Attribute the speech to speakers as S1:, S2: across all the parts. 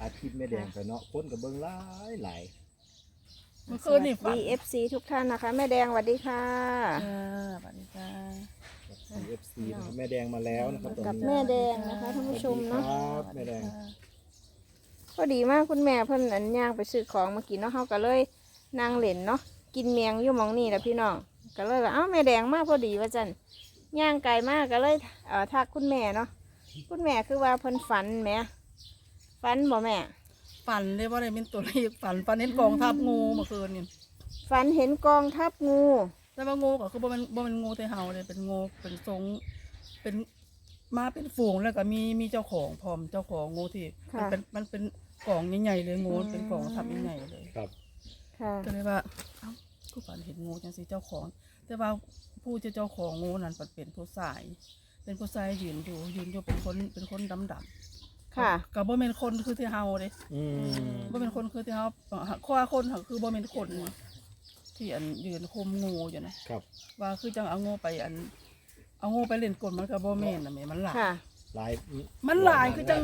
S1: อาทิตย์แม่แดงไปเนาะคนกับเบิ้งหลาย
S2: เมื่อคืนนี่ฝัน
S3: DFC ทุกท่านนะคะแม่แดงสวัสดีค่ะ
S2: สวัสดีค่ะ
S1: CFC นะครับแม่แดงมาแล้วนะครับตอน
S3: กับ
S1: นี้
S3: แม่แดงนะคะท่านผู้ชมเนาะ
S1: ครับแม่แดง
S3: ก็ดีมากคุณแม่เพิ่นอันย่างไปซื้อของมากินเนาะเฮาก็เลยนั่งเล่นเนาะกินเมียงอยู่หมองนี่แหละพี่น้องก็เลยว่าเอ้าแม่แดงมากพอดีว่าจันย่างไกลมากก็เลยทักคุณแม่เนาะคุณแม่คือว่าเพิ่นฝันแหมฝันบ่แม่
S2: ฝันเลยว่าอะไรเป็นตัวเลขฝันเห็นกองทัพงูเมื่อคืนนี่
S3: ฝันเห็นกองทัพงู
S2: แต่ว่างูก็คือบ่เป็นงูแต่เห่าเลยเป็นงูเป็นทรงเป็นมาเป็นฝูงแล้วก็มีเจ้าของพร้อมเจ้าของงูที่มันเป็นกองใหญ่ๆเลยงูเป็นกองทัพใหญ่ๆเลย
S1: ครับ
S3: ค่ะ
S2: ก็เลยว่าเอ้ากูฝันเห็นงูจังสิเจ้าของ แต่ว่าผู้เจ้าของงูนั้นเป็นผู้ชายยืนอยู่เป็นคนดำๆ
S3: ค่ะ
S2: ก็บ่เป็นคนคือที่เฮาเด้ บ่เป็นคนคือที่เฮาข้อคนคือบ่เป็นคนที่ยืนคุมงูอยู่นะครับ ว่าคือจังเอางูไปเอางูไปเล่นกลมันก็บ่แม่นน่ะแม่มันหลาย
S3: ค่ะ
S1: หลาย
S2: มันหลายคือจัง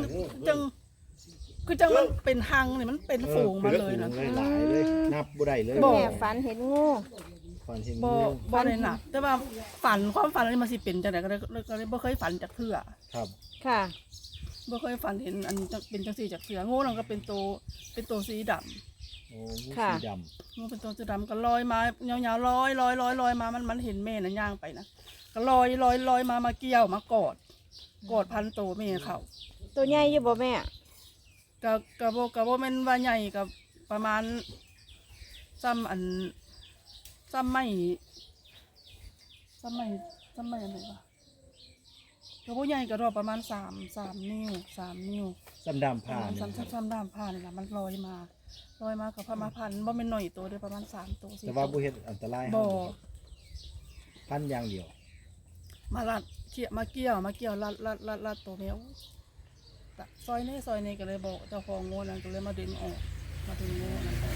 S2: มันเป็นหังนี่มันเป็นฝูงมาเลยนะ
S1: หลายเลยนับบ่ได้เลย
S2: บ่
S3: แม่ฝันเห็นงู
S1: ฝันเห็น
S2: บ่
S1: งู
S2: บ่ได้หนักแต่ว่าความฝันอันนี้มันสิเป็นจังได๋ก็เลยบ่เคยฝันจักเทื่อ
S1: ครับ
S3: ค่ะ
S2: บ่เคยฝันเห็นอันเป็นจังซี่จักเทื่องูนั่นก็เป็นตัวสีดำ
S1: โอ้งู
S3: ค่ะ
S1: สีด
S2: งูเป็นตัวสีดำก็ลอยมายาวๆลอยมามันเห็นแม่น่ะย่างไปนะก็ลอยมาเกี่ยวมากอดพันโตแม่เขา
S3: ตัวใหญ่อยู่บ่แม่
S2: กะบ่แม่นว่าใหญ่กับประมาณซ้ำไม่อันไหนวะกะบ่ใหญ่ก็ดอกประมาณ3นิ้ว
S1: ำซ้ำดำผ่าน
S2: ซ้ำด้ามผ้านี่ล่ะมันลอยมากับพามาพันบ่แม่นน้อยตัวเด้อประมาณ3ตัว4
S1: แต่ว่าบ่เฮ็ดอันตราย
S2: บ่
S1: พันอย่างเดียว
S2: มาลัดเกี่ยวลัดตัวแมวซอยนี้ก็เลยบอกเจ้าของงูนั่นก็เลยมาดึงออกมาดึงงูนั่นออก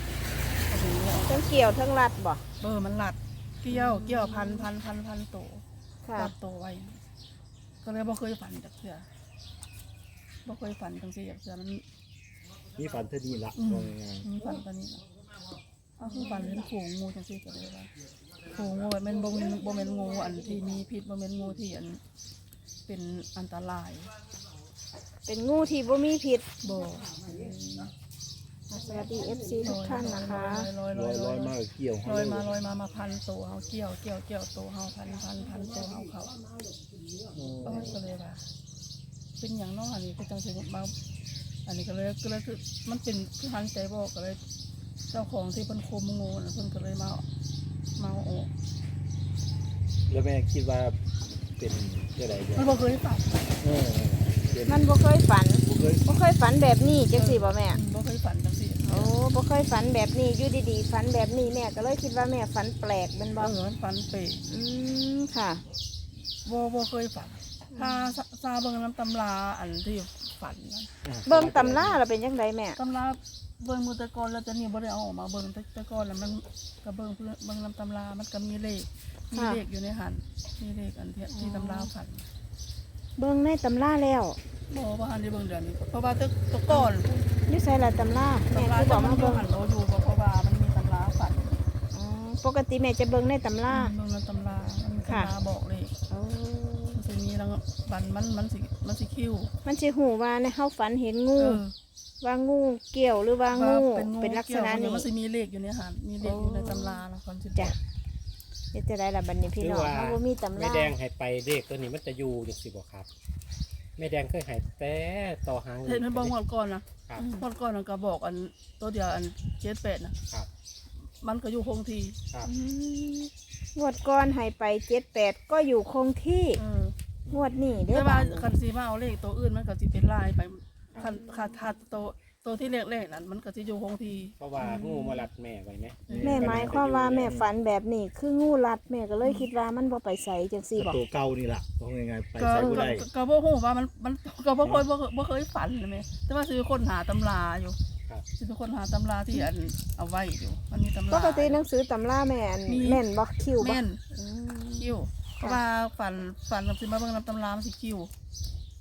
S3: ทั้งเกี่ยวทั้งรัดบ่
S2: มันลัดเกี่ยวพันโต
S3: ค่ะ
S2: ลัดโตไว้ก็เลยบ่เคยฝันจักเทื่อบ่เคยฝันจังซี่จักเทื่อมัน
S1: นี่ฝันเท่านี้ละว่าง่าย
S2: ฝันตอนนี้ล่ะเอาคือฝันเห็นฝูงงูจังซี่ก็เลยว่าฝูงงูมันบ่แม่นงูอันที่มีพิษบ่แม่นงูที่อันเป็นอันตราย
S3: เป็นงูที่บ่มีพิษ
S2: บ่
S3: สวัสดี FC ทุกท่านนะคะ
S1: ๆลอยมาเกี่ยว
S2: ลอยมาพันตัวเฮาเกี่ยวตัวเฮาพันตัวเฮาเขาก็เลยว่าเป็นอย่างน้อยอันนี้ก็จังสิมาอันนี้ก็เลยคือมันเป็นคือหันใจบอกก็เลยเจ้าของที่เพิ่นคุมงูน่ะเพิ่นก็เลยมาเอาออก
S1: แล้วแม่คิดว่าเป็นเท่าไหร่เนี่ย
S2: มันบ่เคยฝัน
S1: เป็น
S3: มันบ่เคยฝัน
S1: บ่เคย
S3: บ่เคยฝันแบบนี้จังสิบ่แม่
S2: บ่เคยฝันจังซี่
S3: โอ้บ่เคยฝันแบบนี้อยู่ดีๆฝันแบบนี้แม่ก็เลยคิดว่าแม่ฝันแปลกเป็นบ่
S2: ฝันเปะ
S3: ค่ะ
S2: บ่เคยฝันถ้าซาเบิ่งน้ำตำราอันที่ฝันนั้น
S3: เบิ่งตำราแล้วเป็นจังไดแม่
S2: ตำราเบิ่งมือตะกอนแล้วจะนี่บ่ได้เอาออกมาเบิ่งตะกอนแล้วมันก็เบิ่งน้ำตำรามันก็มีเลขอยู่ในหันมีเลขอันที่ตำราฝัน
S3: เบิ่งในตำราแล้ว
S2: บ่ว่าหันได้เบิ่งเดือนนี้เพราะว่าตะกอน
S3: อยู่ไสล่ะตำราแม่
S2: ตำรา
S3: คือบอก
S2: จะมั
S3: มาน
S2: บ่
S3: เบิ่ง
S2: หันบ่อยู่เพราะว่ามันมีตำราฝัน
S3: อ๋อปกติแม่จะเบิ่งในตำรา
S2: เบิ่งในตำรามันมีตำราบอกเลข
S3: โอ้
S2: มันสิมีแล้วบันมันสิคิ้ว
S3: มันสิฮู้ว่าในเฮาฝันเห็นงูว่างูเกี่ยวหรือว่างูเป็นลักษณะนี้
S2: มันสิมีเลขอยู่ในหันมีเลขอยู่ในตำราแล้วคนสิ
S3: จ้ะเฮ็ดจะได้ล่ะบัดนี้พี่น้องเฮาบ่มีตำ
S4: แม่
S3: รา
S4: แดงให้ไปเลขตัวนี้มันจะอยู่จังสิบ่ครับแม่แดงเคยให้แต่ต่อหาง
S2: เห็นมันบอกหมดก่อนนะครับ หมดก่อนก็บอกอันตัวเดียวอัน78นะครับ มันก็อยู่คงที่
S4: ครับ
S3: งวดก่อนให้ไป78ก็อยู่คงที่ งวดนี้เด้
S2: แต่
S3: อ
S2: ว่า
S3: บ้าน
S2: คันสีมาเอาเลขตัวอื่นมันก็สิเป็นลายไปคันขาดตัวที่เลขนั้นมันก็สิอยู่คงที่
S4: เพราะว่างูมารัดแม่ไว้ไหม
S3: แม่หมายความว่าแม่ฝันแบบนี้คืองูรัดแม่ก็เลยคิดว่ามันบ่ไปใส่จังซี่บ่
S1: ตัวเก่านี่ล่ะว่าง่ายๆไป
S2: ก็
S1: ใส่บ่ได้
S2: ก็บ่ฮู้ว่ามันก็บ่เคยฝันเลยแม่แต่ว่าสิเป็นคนหาตำราอยู่
S4: ครับ
S2: สิเป็นคนหาตำราที่อันเอาไว้อยู่มันมีตำรา
S3: ปกติหนังสือตำราแม่อัน
S2: มี
S3: แม่นบ่คิวบ่
S2: แม่น
S3: อืม
S2: คิ้วเพราะว่าฝันกับสิมาเบิ่งนำตำรามันสิคิ้ว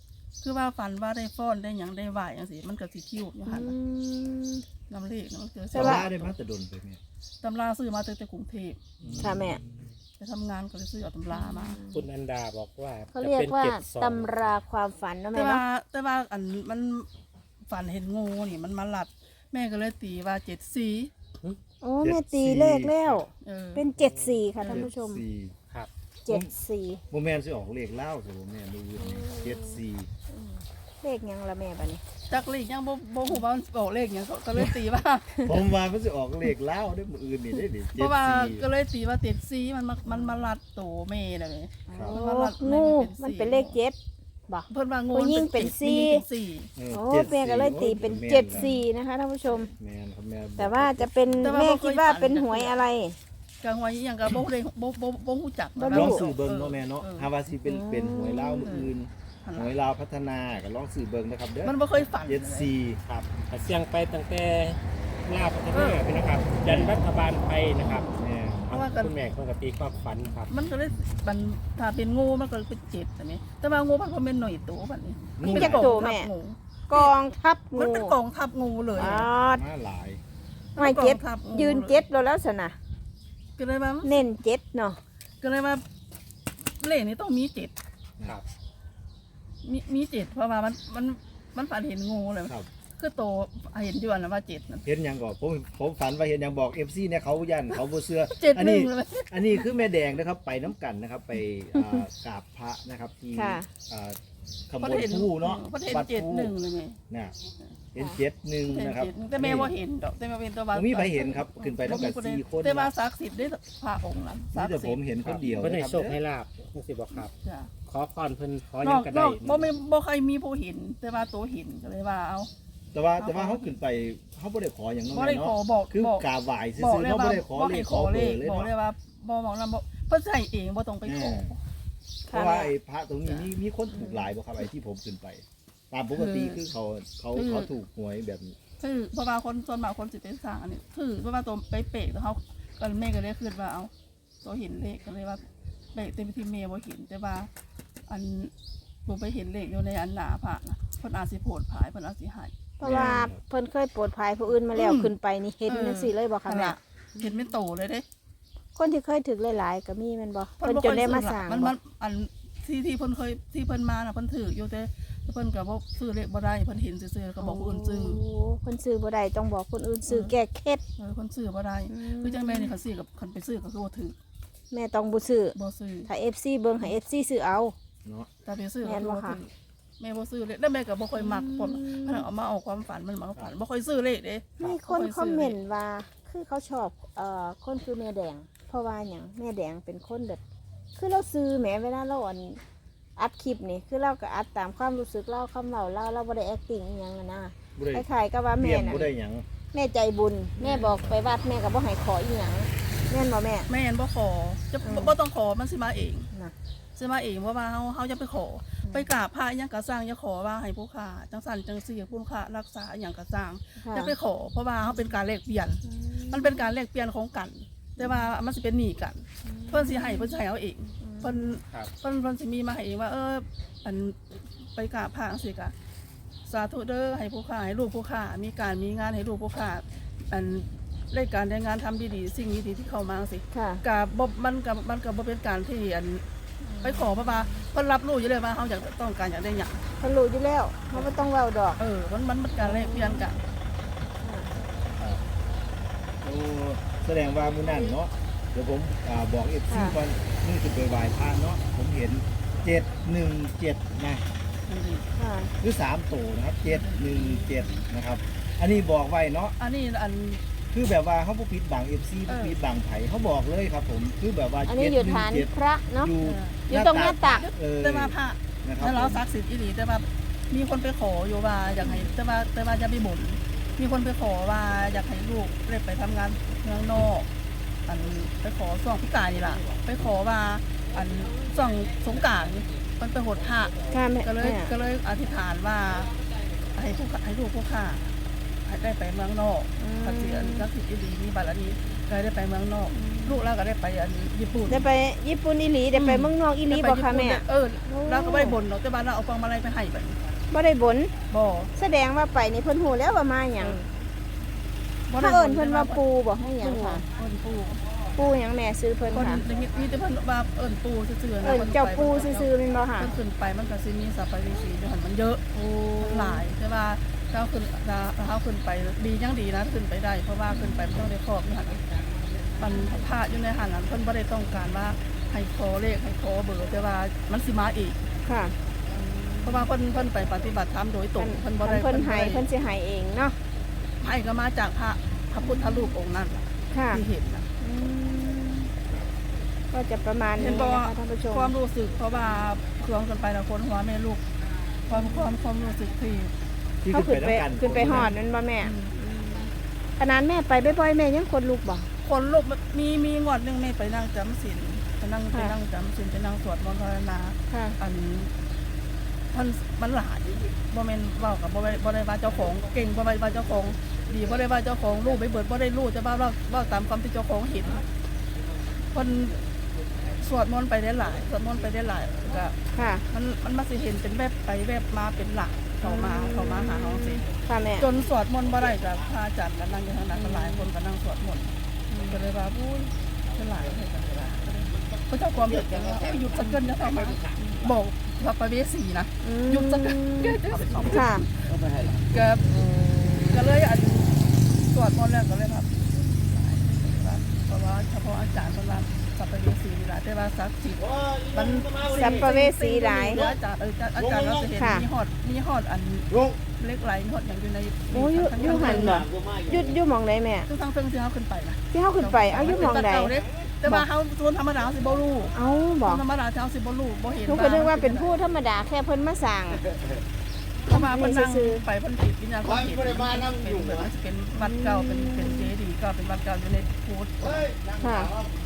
S2: คือว่าฝันว่าได้ฟ้อนได้หยังได้ไหวจังซี่มันก็สิคิวอยู่หั่นน่ะนำเลขนะมันเกิด
S3: แต่
S1: แต่
S3: ว่า
S1: ว่าได้มาแต่ดนไปแม่
S2: ตำราซื้อมาแต่กรุงเทพ
S3: ค่ะแม่
S2: ไปทำงานก็เลยซื้อเอาตำรามา
S4: คุณอันดาบอกว่า
S3: เขาเรียกว่า
S4: จะป็น
S3: ตำราความฝันเนาะ
S2: แต่
S3: แม่
S2: ว่า
S3: เนาะ
S2: แต่ว่าอันมันฝันเห็นงูนี่มันมาหลัด แม่ก็เลยตีว่า74
S3: โอ้แม่ตีเลขแล้ว เป็น74ค่ะท่านผู้ชม
S1: สี่
S4: ครับ
S3: 74
S1: โมแมนสิออกเลขเล่าสิโมแมนดูอยู่นี่74
S3: เลขหยังละแม่บัดนี้
S2: จักเลขยังบ่ฮู้ว่ามันบอกเลขหยังก็เลยตีว่า
S1: ผมว่ามันสิออกเลขเล่าได้มื้ออื่นนี่ได้ดิ
S2: เพราะว่าก็
S1: 74
S2: เลยตีว่า74มันมาหลัดโตแม่น่ะแม่
S1: ครับ
S3: โอ้
S2: มันมารัด
S3: งู
S2: แม่
S3: มัน
S2: เป็
S3: เป็น
S2: น
S3: เลข
S2: สี่
S3: 7บ่
S2: เพิ่นว่างู
S3: ผู้หญิงเป็น
S2: 7
S3: สี่
S2: ผู้หญิงเป็นสี่
S3: โอ้แม่ก็เลยตีเป็น74นะคะท่านผู้ชม
S1: แม่นครับแม่
S3: แต่ว่าจะเป็นแม่คิดว่าเป็นหวยอะไร
S2: กลางวันอีหยังก็บ่ได้บ่ฮู้จัก
S3: บ่
S2: นะ
S3: รู้
S1: ลองสื่อเบิ่งเนาะแม่เนาะ
S2: ออ
S1: หาว่าสิเป็นหวยเล่ามื้ออื่น
S2: หั่น
S1: ห
S2: ล่ะ
S1: วยลาวพัฒนาก็ลองสื่อเบิ่งนะครับเด้อ
S2: มันบ่เคยฝัน
S1: 74
S4: ครับแต่เสียงไปตั้งแต่ลาวพัฒนาไปนะครับยันรัฐบาลไทยนะครับ
S1: แม่
S2: เพราะว่ากัน
S4: คุณแม่คนกับตีความฝันครับ
S2: มันก็เลยมันถ้าเป็นงูมันก็เป็น7อันนี้แต่ว่างูมันบ่แม่นหน่อยโตบัดนี้
S3: มีจักโตแม่ กองทัพ
S2: มัน
S3: งู
S2: เป็นกองทัพงูเลย
S3: อ๋อ
S1: มาหลาย
S3: ไม่เจ็ด
S2: กองทัพงู
S3: ยืนเจ็ดแล้วสนะ
S2: ก็เลยว่า
S3: เน้นเจ็ดเนาะ
S2: ก็เลยว่าเลขนี้ต้องมี7
S4: ครับ
S2: มี7เพราะว่ามันฝันเห็นงูเลย
S1: ครับ
S2: คือโตเห็นอยู่อันนั้นว่า7นั่น
S1: เห็นหยังก่อนผมฝันว่าเห็นหยังบอก FC เนี่ยเขายันเขาบ่เชื่อ
S2: 7
S1: อันนี้
S2: 1เลย
S1: อันนี้คือแม่แดงนะครับไปน้ำกันนะครับไปกราบพระนะครับที่
S3: ค่ะ
S1: ขบวนผู้เนาะ
S2: เพราะเห็น
S1: วัด
S2: 7
S1: ผู้
S2: 1เลยไง
S1: เนี่ยเห็น71
S2: เห็น
S1: นะครับ
S2: 7แต่แม่ว่าเห็นดอกแต่แม่เป็นตัวว่า
S1: ผมมีใครเห็นครับขึ้นไปตั้งแต่4คน
S2: แต่ว่าศักดิ์สิทธิ์ได้พระองค์นั้นศั
S1: นี่
S2: ก
S1: แต่
S2: ดิ์
S1: ผ
S2: สิท
S1: ม
S2: ธิ์
S1: เห็นคนเดียว
S4: เพิ่นให้
S1: นะครับ
S4: โชคให้ลาบจังสิบอกครับ
S2: จ้ะ
S4: ขอพรเพิ่นขอน
S2: น
S4: ยัง
S2: อก
S4: ก็
S2: น
S4: ได้
S2: อกบ่เคยมีผู้เห็น แต่ว่าตัวเห็นก็เลยว่าเอา
S1: แต่ว่าเขาขึ้นไปเขาไม่ได้ขออย่างนั้น
S2: บ่ได้ขอ
S1: เนาะ
S2: บอก
S1: คือบ
S2: อก
S1: กราบไหว้ซื่
S2: บอก
S1: อๆ
S2: เลย
S1: เขา
S2: ว่า
S1: ไม่ได้ขอ
S2: บ่
S1: เล
S2: ให้
S1: ข
S2: ข
S1: ข
S2: อ
S1: อ
S2: เล
S1: เบอ
S2: ข
S1: ร์เลย
S2: บอก
S1: เนาะ
S2: เลยว่าบ่มองนั้นบ่เพิ่นใส่เองบ่ต้องไปขอ
S1: เพราะว่าไอ้พระตรงนี้มีคนถูกหลายบ่ครับไอ้ที่ผมขึ้นไป ตามปกติคือเขาถูกหวยแบบนี้
S2: คือเพราะว่าคนส่วนมากคนสิไปสร้างอันนี้คือเพราะว่าตัวไปเปะแล้วเขาก็แม่ก็เลยคิดว่าเอาตัวเห็นเลขก็เลยว่าเปะเต็มที่แม่บ่เห็นแต่ว่าอันบ่ไปเห็นเลขอยู่ในอันหน้าพระนะเพิ่นอาจสิโพดผายเพิ่นอาจสิให้
S3: เพราะว่าเพิ่นเคยโปรดภายผู้อื่นมาแล้ว
S2: อืม
S3: ขึ้นไปนี่เห็นจังซี่เลยบ่ค่ะ
S2: นั่น
S3: แม่
S2: ล่ะเห็นเป็นโตเลยเด้
S3: คนที่เคยถึกหลายๆก็มีแม่นบ่
S2: เพิ่
S3: เพิ่น
S2: บ่
S3: จ
S2: คน ย
S3: ได้มา
S2: ซื้อ
S3: สร้าง
S2: มัน
S3: บ่
S2: อันที่เพิ่นเคยที่เพิ่นมาน่ะเพิ่นถืออยู่แต่เพิ่นก็บ่ซื้อเลขบ่ได้เพิ่นเห็นซื่อๆก็บอกผู้อื่นซื้อ
S3: โเพิ่นซื้อบ่ได้ต้องบอกคนอื่นซื้อแก้เคล็ด
S2: เพิ่นซื้อบ่ได้คือจังแม่นี่เขาซื้อกับคันไปซื้อก็คือบ่ถือ
S3: แม่ต้องบ่ซื้อ
S2: บ่ซื้อ
S3: ถ้า FC เบิ่งให้ FC ซื้อเอา
S1: เนาะ
S2: แต่ไปซื้อ
S3: แม่นบ่
S2: ก็
S3: คะ
S2: ถือแม่บ่ซื้อเลขแล้วแม่ก็บ่ค่อยมักผมเพิ่นเอามาเอาความฝันมันมาฝันบ่ค่อยซื้อเลขเด้
S3: มีคนคอมเมนต์ว่าคือเขาชอบคนคือแม่แดง เพราะว่าหยังแม่แดงเป็นคนแบบคือเราซื้อแหมเวลาเราอัดคลิปนี่คือเราก็อัดตามความรู้สึกเราคำเว้าเราบ่ได้ acting อีหยังอะนะ
S1: บ่ได้
S3: คล้ายๆกับว่า
S1: เตรี
S3: แม่
S1: ยม
S3: น่ะ
S1: บ่ได้หยัง
S3: แม่ใจบุญ แม่บอกไปวัดแม่ก็บ่ให้ขออีหยังแม่นบ่แม่
S2: แม่นบ่ขอจะ
S3: อืม
S2: บ่ต้องขอมันสิมาเอง
S3: น่ะ
S2: สิมาเองเพราะว่าเฮาจะไปขอ ไปกราบพระอิหยังก็สร้างอย่าขอว่าให้ผู้ค้าจังสั่นจังซี่ผู้ค้ารักษาอิหยังก็สร้าง
S3: ค่ะ
S2: อย่าไปขอเพราะว่าเฮาเป็นการแลกเปลี่ยน มันเป็นการแลกเปลี่ยนของกัน แต่ว่ามันสิเป็นหนี้กัน เพิ่นสิให้เพิ่นสิให้เอาเองเพิ่น
S4: ครับ
S2: เพิ่นสิมีมาให้เองว่าอันไปกราบพระจังซี่ก็สาธุเด้อให้ผู้ค้าให้ลูกผู้ค้ามีการมีงานให้ลูกผู้ค้าอันรายการได้งานทำดีๆสิ่งดีๆที่เข้ามาจังซี่
S3: ค่ะ
S2: กับมันก็บ่เป็นการที่อันไปขอเพราะว่าเพิ่นรับรู้อยู่เลยว่าเฮาอยากต้องการอยากได้หยัง
S3: เพิ่นรู้อยู่แล้วมันบ่ต้องเว้าดอก
S2: มันเป็นการแลกเปลี่ยนกัน
S1: โอ้แสดงว่ามื้อนั้นเนาะเดี๋ยวผมบอก FC
S3: ค่ะ
S1: ก่อนนี่คือไปไหว้พระเนาะผมเห็น717นะ
S3: ค่ะ
S1: คือ3ตัวนะครับ717นะครับอันนี้บอกไว้เนาะ
S2: อันนี้อัน
S1: คือแบบว่าเขาบ่ปิดบัง FC บ่ปิดบังไผเขาบอกเลยครับผมคือแบบว่า
S3: อันนี้อยู่ฐานพระเนาะ
S1: อยู่
S3: อยู่ตรงหน้าตัก
S2: แต่ว่าพระ
S1: นะครับ
S2: แล้วเราศักดิ์สิทธิ์อีหลีแต่ว่ามีคนไปขออยู่ว่าอยากให้แต่ว่าอย่าไปบ่นมีคนไปขอว่าอยากให้ลูกได้ไปทำงานเมืองนอกอันไปขอช่วงพิการนี่ล่ะไปขอว่าอันช่วงสงกรานต์มันไปโหดพระ
S3: ค่ะแม่
S2: ก็เลยอธิษฐานว่าให้ลูกผู้ข้าให้ได้ไปเมืองนอกพระเสียนศักดิ์สิทธิ์อีหลีมีบารมีก็ได้ไปเมืองนอก ลูกเราก็ได้ไปอันญี่ปุ่น
S3: ได้ไปญี่ปุ่นอีหลีได้ไปเมืองนอกอีหลีบ่คะแม่
S2: เราก็ไม่ได้บ่นหรอกแต่บ้านเราเอาฟองมาลัยไปให้ไป
S3: บ่ได้บน
S2: บ่
S3: แสดงว่าไปนี่เพิ่นฮู้แล้วว่ามาหยัง
S2: บ่
S3: เขา
S2: ได้
S3: เอิ้นเพิ่นว่าปูบ่ให้หยังค่ะ
S2: เอิ้นปู
S3: ปูหยังแม่ซื้อเพิ่น
S2: คน
S3: ค่ะ
S2: มีแต่เพิ่นว่าเอิ้นปูซื่อๆนะ
S3: เอิ้นเจ้าปูซื่อๆแม่นบ่ค่ะ
S2: เพิ่นขึ้นไปมันก็สิมีสัพพะเวสีอยู่หั่นมันเยอะหลายแต่ว่าเขาขึ้นไปดียังดีนะขึ้นไปได้เพราะว่าขึ้นไปมันต้องได้ครอบอยู่หั่นมันพระอยู่ในหั่นน่ะเพิ่นบ่ได้ต้องการว่าให้ขอเลขให้ขอเบอร์แต่ว่ามันสิมาอีก
S3: ค่ะ
S2: เพราะว่าเพิ่นไปปฏิบัติธรรมโดยตรงเพิ่นบ่ได้
S3: เพิ่นให้เพิ่นสิให้เองเนาะ
S2: ให้ก็มาจากพระพุทธรูปองค์นั้น
S3: ค่ะ
S2: ที่เห็นน่ะ
S3: อืมก็จะประมาณ
S2: เห็
S3: นี้
S2: นบ่
S3: นะคะท่านผู้ชม
S2: ความรู้สึกเพราะว่าเครื่องกันไปแล้วคนหัวแม่ลูกความรู้สึกที่
S1: ที่
S3: เขา
S1: ขึ้น
S3: ขึ้น
S1: ไป
S3: ไป
S1: น้ำกัน
S3: ขึ้นไปฮอดนั่นบ่แม่ขนาดแม่ไปบ่อยๆแม่ยังคนลุกบ่
S2: คนลูกมีงวดหนึงแม่ไปนั่งจำศีลไปนั่งจำศีลไปนั่งสวดมนต์ภาวนา
S3: ค่ะ
S2: อันมันหลายบ่แม่นเว้ากับบ่ได้ว่าเจ้าของเก่งบ่ได้ว่าเจ้าของดีบ่ได้ว่าเจ้าของรู้ไปเบิดบ่ได้รู้แต่ว่าเว้าตามความที่เจ้าของเห็นเพิ่นสวดมนต์ไปได้หลายสวดมนต์ไปได้หลายก็
S3: ค่ะ
S2: มันมาสิเห็นเป็นแวบไปแวบมาเป็นหลักเข้ามาหาเฮาสิ
S3: ค่ะแม่
S2: จนสวดมนต์บ่ได้กับพระอาจารย์ก็นั่งอยู่ทางนั้นก็หลายคนก็นั่งสวดมนต์ก็เลยว่าอุ้ยเป็นหลายให้กันเวลาพระเจ้าความเห็นกันว่าหยุดสักเกินนะเข้ามาบอกพระประเวสีนะ หยุดสักเกิน
S3: ค่ะ
S2: ก็เลยอันสวดมนต์แล้วก็เลยครับเพราะว่าเฉพาะอาจารย์เวลาสัพเพเวสีนี่แหละแต่ว่าศักดิ์สิทธิ์มัน
S3: สัพเพเวสีหลาย
S2: อาจารย์เราจะเห็นมีฮอดอัน
S1: ลุง
S2: เล็กไหลมีฮอดอย่างอยู่ใน
S3: โอ้อยู่หันบ่อยู่หม่องใดแม่
S2: ทุกทางเพิ่งที่เขาขึ้นไปนะ
S3: ที่เฮาขึ้นไปเอาอยู่หม่องใด
S2: แต่ว่าเขาส่วนธรรมดาสิบ่รู้
S3: เอาบ่
S2: ธรรมดาเขาสิบ่รู้บ่เห็น
S3: หนูก็นึกว่าเป็นผู้ธรรมดาแค่เพิ่นมาสั่ง
S2: เข้ามาเพิ่นนั่งไปเพิ่นติดวิญญาณความเห็นเป็นเหมือนจะเป็นวัดเก่าเป็นเจดีย์ก็เป็นวัดเก่าอยู่ในพุทธ
S3: ค่ะ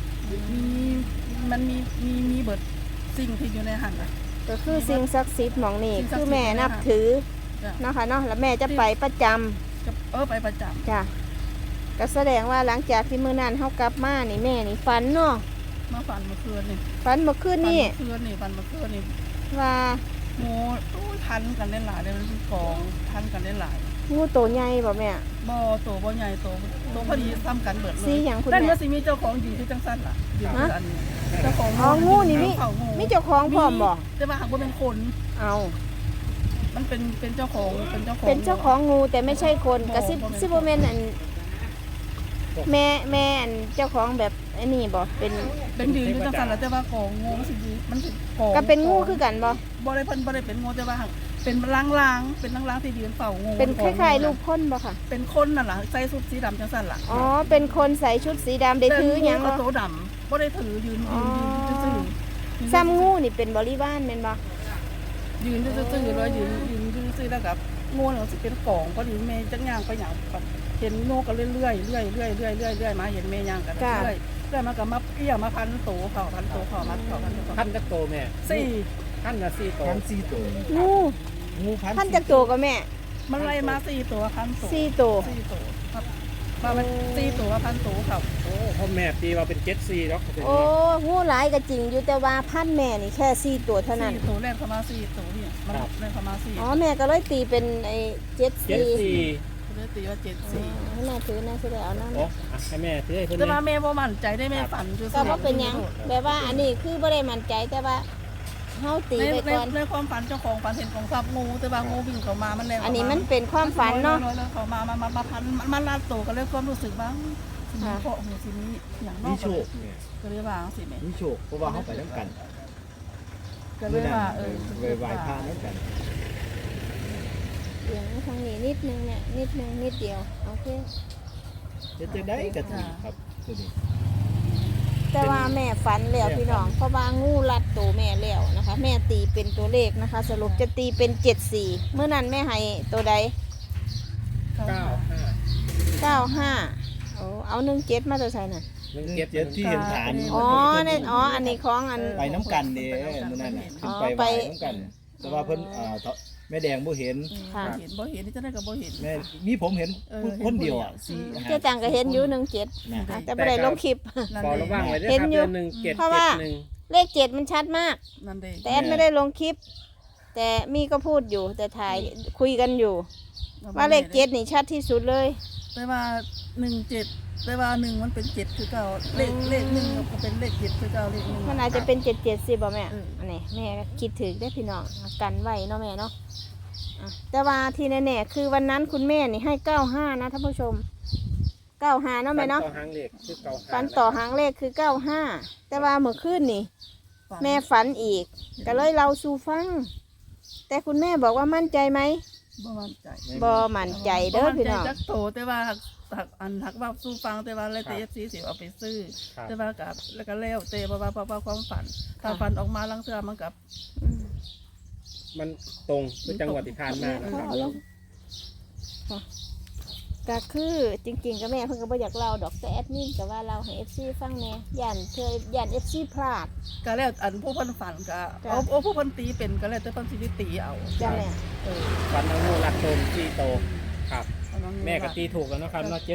S2: มันมีเบิดสิ่งที่อยู่ในหันน่ะ
S3: ก็คือสิ่งศักดิ์สิทธิ์หม่องนี่
S2: สิ่งศักดิ์สิทธิ์
S3: คือแม่นับถือ
S2: จ้ะ
S3: เนาะค่ะเนาะแล้วแม่จะไปประจำ
S2: ก็ไปประจำ
S3: จ้ะก็แสดงว่าหลังจากที่มื้อนั้นเฮากลับมานี่แม่นี่ฝันเนาะ
S2: มาฝันเมื่อคืนนี่
S3: ฝันเมื่อคืนนี่
S2: ฝันเมื่อคืนนี่
S3: ว่า
S2: โง่ทันกันได้หลายเลยมันเป็นกองทันกันได้หลาย
S3: งูโตใหญ่บ่แม่
S2: บ่โตบ่ใหญ่โตพอดีซ้ำกันเบิดเลย
S3: สีหยังคุณ
S2: นั่น
S3: แม่
S2: ก็สิมีเจ้าของอยู่ที่จังซั่นล่ะอยู่ที่อันนี้เจ้าของ
S3: อ๋องูนี่มี
S2: เจ้าของ
S3: มีเจ้าของพร้อมบ่
S2: แต่ว่าหากบ่เป็นคน
S3: เอา
S2: มันเป็นเจ้าของเป็นเจ้าของ
S3: เป็นเจ้าของงูแต่ไม่ใช่คนกระซิบซิบ่แม่นอันแม่อันเจ้าของแบบอันนี้บ่เป็น
S2: เป็นยืนอยู่จังซั่นล่ะแต่ว่ากองงูมันสิยืนมันสิกอง
S3: ก็เป็นงูคือกันบ่
S2: บ่ได้เพิ่นบ่ได้เป็นงูแต่ว่าหากเป็นลางๆเป็นลางๆที่ยืนเฝ้างู
S3: เป็นคล้ายๆลูกพ่นบ่ค่ะ
S2: เป็นคนนั่นล่ะใส่ชุดสีดำจังซั่นล่ะ
S3: อ๋อเป็นคนใส่ชุดสีดำได้ถือหยัง
S2: แต่งู
S3: บ่
S2: ก็โตดำบ่ได้ถือยืนซื่อๆ
S3: ซ้ำงูนี่เป็นบริวารแม่นบ่
S2: ยืนซื่อๆเลยยืนซื่อๆแล้วกับงูเนี่ยสิเป็นกองพอดีแม่จักย่างไปหยังเห็นงูก็เรื่อยๆมาเห็นแม่ย่างกันเรื่อยมาก็มาเอี้ยมาพันโตเขาพันโตเขามัดเขาพันโต
S4: พันจักโตแม่
S2: สี่
S4: พันละ4โต
S1: พัน4ตัว
S3: งู
S1: งูพัน
S3: ท่านจักโตก็แม่
S2: มันไล่มา4ตัวพันโต
S3: 4โต
S2: 4ตัวครับมามัน4ตัวพันโตเขา
S4: โอ้พ่อแม่ตีว่าเป็น74เนาะเป็น
S3: โอ้งูหลายก็จริงอยู่แต่ว่าพันแม่นี่แค่4ตัวเท่านั้น
S2: 4ตัวแรกเข้ามา4ตัวเนี่ยมันแรกเข้ามา4
S3: อ๋อแม่ก็เลยตีเป็นไอ้74
S4: 74
S2: เลยตีว่า74
S3: ให้แม่ถือแม่สิได้เอานำ
S4: โอ้อ่ะให้แม่ถือให้เพิ่น
S2: แต่
S4: เลย
S2: ว่าแม่บ่มั่นใจได้แม่ฝันซื่อๆ
S3: ก็บ่เป็นหยังแบบว่าอันนี้คือบ่ได้มั่นใจแต่ว่าเฮาตีไปก่อน
S2: ในความฝันเจ้าของฝันเห็นของทรัพย์งูแต่ว่างูวิ่งเข้ามามันแรง
S3: อันนี้มันเป็นความฝันเนาะ
S2: เขามาพันมันลาดโตก็เลยความรู้สึกว่าสิมีเพาะหูสิมีอย่างนอ
S1: มี
S2: ก
S1: โชคเนี่ย
S2: ก็เลยว่าสิแม่
S1: มีโชคเพราะว่าเขาไปน้ำกัน
S2: ก็เลยว่า
S1: ไปไหว้พระน้ำกัน
S3: เสียงทางนี้นิดนึงเนี่ยนิดนึงนิดเดียวโอเค
S1: จะได้กระถิ่นครับตัวนี้
S3: แต่ว่าแม่ฝันแล้วพี่น้องเพราะว่างูรัดตัวแม่แล้วนะคะ แม่ตีเป็นตัวเลขนะคะ สรุปจะตีเป็น74เมื่อนั้นแม่ให้ตัวใด
S4: 95
S3: 95เอา17มาตัวใส่น่ะ
S1: 17ที่เห็นฐาน
S3: อ๋อเนี่ยอ๋ออันนี้ของอัน
S1: ไปน้ำกันเด้มื้อนั้นน่ะขึ้นไปไหว้น้ำกัน แต่ว่าเพิ่นแม่แดงบ่เห็น
S3: ค่ะ
S2: บ่เห็นนี่จะได้กับบ่เห็น
S1: แม่มีผมเห็นคนเดียวอ่ะ
S3: เจ้าตังก็เห็นอยู่17
S1: นะ
S3: แต่ไม่ได้ลงคลิป
S2: นั่น
S4: ขอ
S2: เอ
S4: ระ
S2: ง
S4: วังไว้ด้วย
S3: เห็
S4: คน รับ
S3: อยู่
S4: เดือน1 7
S3: เพราะว่า
S4: 7 1
S3: เลข7มันชัดมาก
S2: นั่นเอง
S3: แต่แอดไม่ได้ลงคลิป แต่แต่มีก็พูดอยู่แต่ถ่ายคุยกันอยู่ ว่าเลขเจ็ดนี่ชัดที่สุดเลย
S2: แต่ว่า17แต่ว่า1มันเป็น7คือเก่าเลข1ก็เป็นเลข7คือเก่าเลข1
S3: มันอาจจะเป็น77สิบ่แม่
S2: เออ
S3: อันนี้แม่คิดถึงได้อพี่น้องกันไว้เนาะแม่เนาะอ่ะแต่ว่าที่แน่ๆคือวันนั้นคุณแม่นี่ให้95นะท่านผู้ชม95เนาะแม่เนาะ
S4: ฝัต่อหางเลขคือเก่า
S3: ฝันต่อหางเลขคือ95แต่ว่าเมื่อคืนนี่
S2: ฝัน
S3: แม่ฝันอีกก็เลยเราสู่ฟัง แต่คุณแม่บอกว่ามั่นใจไหม
S2: บ่มั่นใจ
S3: บ่มั่นใจเด้อพี่น้อง
S2: บ่มั่ใจจักโตแต่ว่าหักว่าสู้ฟังแต่ว่าแล้วแต่ FC สิเอาไปซื้อ
S4: ครับ
S2: แต่ว่ากับแล้วก็แล้วแต่เพราะว่าความฝันถ้าฝันออกมาลังเทื่อมันกับ
S3: อืม
S4: มันตรงคือจังหวัดที่ผ่านมานะครับ
S3: ก็คือจริงๆก็แม่เพิ่นก็บ่อยากเล่าดอกแต่แอดมินก็ว่าเราให้ FC ฟังแหน่ย่าน FC พลาด
S2: ก็แล้วอันผู้เพิ่นฝันก็
S3: จ้ะ
S2: เอาผู้เพิ่นตีเป็นก็แล้วแต่เพิ่นสิได้ตีเอา
S3: จ้ะแม่
S2: เออ
S4: ฝันเอางูรักโตมที่โตครับ
S2: เอาา
S4: แม่ก็ตีถูกแล้วนะครับเนาะ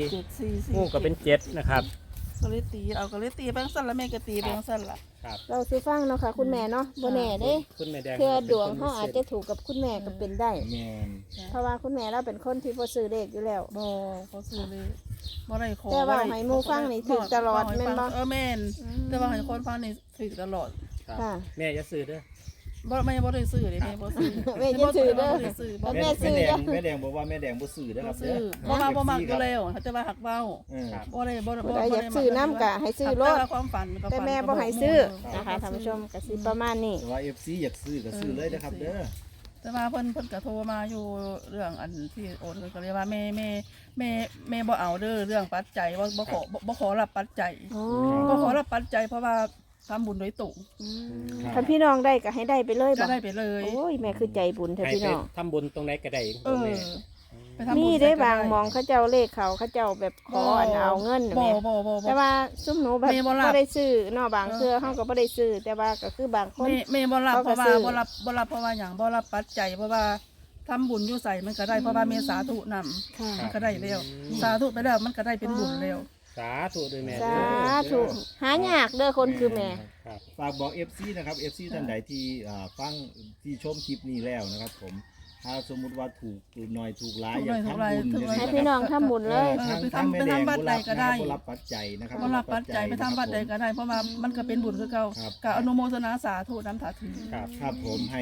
S2: 744
S4: งูก็เป็น7นะครับ
S2: ก็เลยตีเอาก็เลยตีไปจังซั่นแล้วแม่ก็ตีไปจังซั่นล่ะ
S4: ครับ
S3: เราสิฟังเนาะค่ะคุณแม่เนาะบ่แน่เด้
S4: คุณแม่แดง
S3: เพื่อดวงเฮาอาจจะถูกกับคุณแม่ก็เป็นได้
S1: แม่น
S3: เพราะว่าคุณแม่เราเป็นคนที่บ่ซื้อเลขอยู่แล้ว
S2: บ่เขาซื้อเลยบ่ได้ขอ
S3: แต่ว่า
S2: บ่ได้
S3: ให้หมู่ฟังนี่ถูกตลอดแม่นบ่
S2: เออแม่นแต่ว่าให้คนฟังนี่ถูกตลอด
S4: ครับ
S3: ค่ะ
S4: แม่จะซื้อเด้อ
S2: แม่บ่ได้ซื้อเลยแม่บ่ซื้อ
S3: แม่อย่าซื้อเด้อ
S2: บ่ได้ซื้อบ่
S3: แม่
S2: ได้
S3: ซื้อ
S1: แม่แดงบอกว่าแม่แดงบ่ซื้อเด้อค
S2: บ่
S1: รับ
S2: ซื้
S1: เด้
S2: อ
S1: อ
S2: บ่มักอยู่แล้วแต่ว่าหักเว้า
S1: เออ
S4: ครับ
S2: บ่ได้บ่ได้
S3: ผู้ใดอยากซื้อน้ำก็ให้ซื้อรถ
S2: แต่ว่าความฝันก็
S3: แต่
S2: ฝัน
S3: แม่บ่ให้ซื้อนะคะท่านผู้ชมก็สิประมาณนี้
S1: แต่ว่า FC อยากซื้อก็ซื้อเลยนะครับเด้อ
S2: แต่ว่าเพิ่นก็โทรมาอยู่เรื่องอันที่โอนก็เลยว่าแม่บ่เอาเด้อเรื่องปัจจัยว่าบ่ขอรับปัจจัย
S3: อ๋อ
S2: บ่ขอรับปัจจัยเพราะว่าทำบุญโดยตรง
S3: คันพี่น้องได้ก็ให้ได้ไปเลย
S2: ก็
S3: บ่
S2: ได้ไปเลย
S3: โอ้ยแม่คือใจบุญเถอะ
S4: ให้
S3: พี่
S4: ไป
S3: น้อง
S4: ทำบุญตรงไหนก็ได้
S2: เออ
S4: แม่
S2: ไปทำบุญ
S3: มีได้บางหมองเขาเจ้าเลขเขาเจ้าแบบขออันเอาเงินน่ะ
S2: บ่
S3: แม่
S2: บ่
S3: แต่ว่าซุมหนูแบบ
S2: แม่บ่รับ
S3: บ่ได้ซื้อเนาะบางเทื่อเฮาก็บ่ได้ซื้อแต่ว่าก็คือบางคน
S2: แม่บ่รับ
S3: เขา
S2: เพ
S3: ก็
S2: ราะว่า
S3: ซื้อ
S2: บ่รับเพราะว่าหยังบ่รับปัจจัยเพราะว่าทำบุญอยู่ใส่มันก็ได้เพราะว่าเมสาธุนำ
S3: ค่ะ
S2: มันก็ได้แล้วสาธุไปแล้วมันก็ได้เป็นบุญแล้ว
S4: สาธุด้วยแม่
S3: สา
S4: เด้อ
S3: ธุหายากเด้อคนคือแม่
S4: ครับ
S1: ฝากบอก FC นะครับ FC ท่านใดที่ฟังที่ชมคลิปนี้แล้วนะครับผมถ้าสมมุติว่าถูกหน่อยถูกหลายอยากทำบุญ
S2: ถูกหน่อย
S3: ให้พี่น้องทำบุญเลย
S1: ทางแม่แดง
S2: ไปทำบัตรใดก็ได้
S1: บ่รับปัจจัยนะครับ
S2: บ่รับปัจจัยไปทำบัตรใดก็ได้เพราะว่ามันก็เป็นบุญคือเก่า
S1: ครับ
S2: ก็อนุโมทนาสาธุนำถาถือ
S4: ครับ
S1: ครับผมให้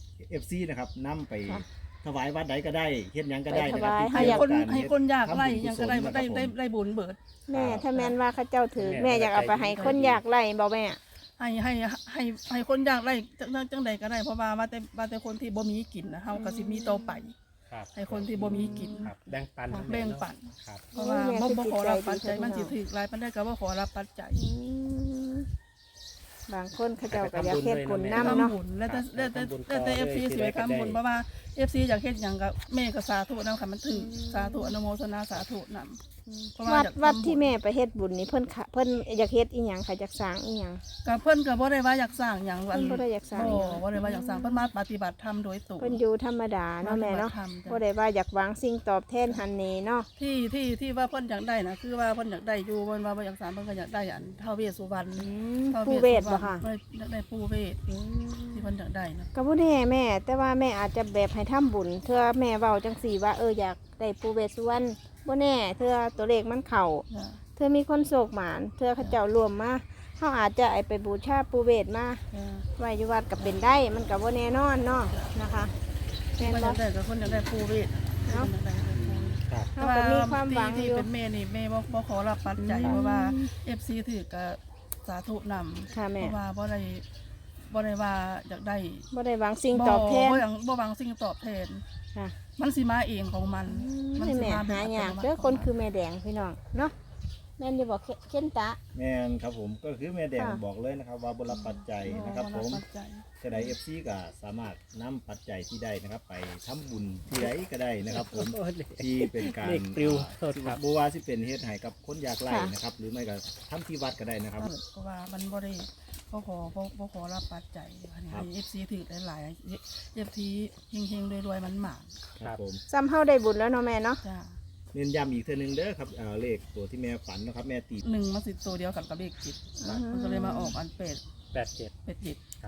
S1: FC นะครับนำไป
S3: ค่ะ
S1: ถวายวัดใดก็ได้เฮ็ดหยังก็ได้นะครั
S3: ไปถวาย
S1: ที่
S2: ให้
S1: เกี่ยว
S2: คน
S1: กับการ
S2: ให้คนยากไร่
S1: ทำบุญ
S2: ยังก็ได้
S1: กุศล
S2: ได้
S1: นะครับผม
S2: ได้บุญเบิด
S3: แม่ถ้าแม่นว่าเขาเจ้าถือแม่อยากเอาไปให้คนอยากไล่บ่แม่
S2: ให้คนยากไร่จังใดก็ได้เพราะว่าแต่คนที่บ่มีกินนะเฮาก็สิมีต่อไป
S4: ครับ
S2: ให้คนที่บ่มีกิน
S4: ครับแบ่งปัน
S2: แบ่งปัน
S4: ครับ
S2: เพราะว่า
S3: โอ้ยแม่
S2: บ่
S3: คือ
S2: ขอรับปัจจัย
S3: จิตใจดี
S2: มันสิถือหลายปานใดก็บ่ขอรับปัจจัย
S3: อืมบางคนเขาเจ้าก็อยากเฮ็ดบุญนํเนาะ
S2: ทำบุญแล้วแต่ FC สิไปทำบุญเพราะว่า FC อยากเฮ็ดหยังก็แม่ก็สาธุนำค่ะมันถือสาธุอนุโมทนาสาธุนำ เพราะว่า
S3: วัด
S2: อยากทำบุญ
S3: วัดที่แม่ไปเฮ็ดบุญนี่เพิ่นอยากเฮ็ดอีหยังค่ะอยากสร้างอีหยัง
S2: ก็เพิ่นก็บ่ได้ว่าอยากสร้างหยัง
S3: เพิ่นบ่ได้อยากสร้างหยัง
S2: บ่ได้ว่าอยากสร้างเพิ่นมาปฏิบัติธรรมโดยตรง
S3: เพิ่นอยู่ธรรมดาเนาะแม่เนาะ
S2: ปฏิบัติธรรมจ้ะ
S3: บ่ได้ว่าอยากหวังสิ่งตอบแทนหันนี่เนาะ
S2: ที่ว่าเพิ่นอยากได้นะคือว่าเพิ่นอยากได้อยู่เพิ่นว่าบ่อยากสร้างเพิ่นก็อยากได้อันท้าวเวสสุวรรณ ท้าว
S3: ผู้เวทบ่ค่ะ
S2: เพิ่นอยากได้ผู้เวทที่เพิ่นอยากได้นะ
S3: ก็บ่แน่แม่ แต่ว่าแม่อาจจะแบบให้ทำบุญเทื่อแม่เว้าจังซี่ว่าอยากได้ผู้เวทสุวรรณบ่แน่เทื่อตัวเลขมันเข้า
S2: จ้ะ
S3: เทื่อมีคนโศกหมานเทื่อเขาเจ้ารวมมาเฮาอาจจะไปบูชาผู้เวทมา
S2: จ้ะ
S3: ไว้อยู่วัดก็เป็นได้มันก็บ่แน่นอนเนาะนะคะแม่น
S2: เพิ่นอ
S3: บ่
S2: ยากได้ก็เพิ่นอยากได้ผู้เวท
S3: เนาะ
S2: เพิ่นอยากได้ผู้เวท
S4: ครับ
S3: เฮาก็มีความหวัง
S2: ที่
S3: อยู่
S2: เป็นแม่นี่แม่บ่ขอรับปัจจัยเพราะว่า FC ถือก็สาธุนำ
S3: ค่ะ
S2: เพ
S3: แม่
S2: ราะว่าบ่ได้ว่าอยากได้
S3: บ่ได้หวังสิ่งตอบแทน
S2: บ่หวังสิ่งตอบแทน
S3: ค่ะ
S2: มันสิมาเองของมัน
S3: นี่แม่หายากเด้อคนคือแม่แดงพี่น้องเนาะแม่นอยู่บอกเข็นตะ
S1: แม่นครับผมก็คือแม่แดง
S3: ค่ะ
S1: บอกเลยนะครับว่าบรับปัจจัยนะครับผม
S2: ปัจจัย
S1: จะได้ FC ก็สามารถนำปัจจัยที่ได้นะครับ ไปทำบุญที่ใดก็ได้นะครับผม ที่เป็นการ
S4: เลขปลิวโทษครับ
S1: บัวาสิเป็นเฮ็ดให้กับคนยากไร้นะครับ หรือไม่ก็ทำที่วัดก็ได้นะครับ
S2: เพราะว่ามันบ่ได้บ่ขอรับปัจจัยอันนี้
S1: ครับ
S2: ให้ FC ถือหลายๆ FC เฮงๆรวยๆมันหมาน
S1: ครับผม
S3: ซ้ำเฮาได้บุญแล้วเนาะแม่เนาะ
S2: จ้า
S1: เน้นย้ำอีกเทื่อนึงเด้อครับเลขตัวที่แม่ฝันนะครับ แม่ตี
S2: 1มันสิตัวเดียวกันกับเลขจิตมันก็เลยมาออกอันเป็ด
S4: 87
S2: เป็ดจิต
S1: ค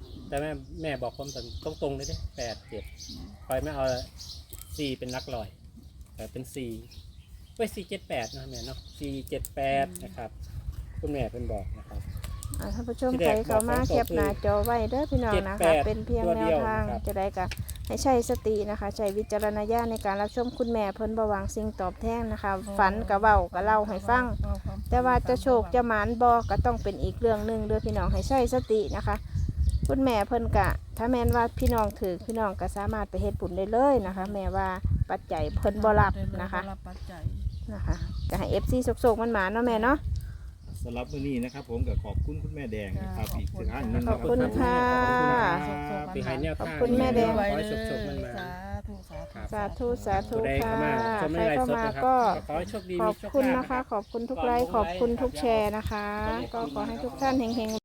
S4: แต่แม่บอกผมตรงๆเลยเด้8-7คอยไม่เอา4เป็นหลักร้อยแต่เป็น4ไว้478นะแม่เนาะ478นะครับคุณแม่เพิ่นบอกนะครับ
S3: ท่านผู้ชมใครเข้ามาแคปหน้าจอไว้เด้อพี่น้องนะคะ
S4: 78
S3: เป็นเพียงแนวทาง
S4: ตัวเดียวนะครับ
S3: จะได้กะให้ใช้สตินะคะใช้วิจารณญาณในการรับชมคุณแม่เพิ่นบ่หวังสิ่งตอบแทนนะคะ ฝันกะเว้ากะเล่าให้ฟัง แต่ว่าจะโชคจะหมานบ่ก็ต้องเป็นอีกเรื่องหนึงเด้อพี่น้องให้ใช้สตินะคะ คุณแม่เพิ่นกะ ถ้าแม่นว่าพี่น้องถือพี่น้องก็สามารถไปเฮ็ดบุญได้เลยนะคะ แม่ว่าปัจจัยเพิ่นบ่รับนะคะ
S2: บ่รับปัจจัย
S3: นะคะก็ให้ FC โศกๆมันหมานเนาะแม่เนาะ
S1: สำหรับมื้อนี้นะครับผมก็ขอบคุณคุณแม่แดงนะครับอีกครั้งหนึง
S3: ขอบคุณค่ะ
S4: ที่ให้แนว
S3: ขอบ
S4: ทาง
S3: คุณแม่แดง
S4: ขอให้โชคๆมันมา
S2: สาธุ
S3: สาธุ
S4: ผู้ใด
S3: ค่ะ
S4: เข้ามาชม
S3: ใค
S4: ใน
S3: ร
S4: ไลฟ์
S3: เข้า
S4: สด
S3: มา
S4: นะครับ
S3: ก็
S4: ขอให้โชคดี
S3: ข
S4: มี
S3: อบ
S4: โชค
S3: คุณ
S4: ลาภ
S3: นะคะ ขอบคุณทุกไลค์ขอบคุณทุกแชร์นะคะ ก็ขอให้ทุกท่านเฮงๆ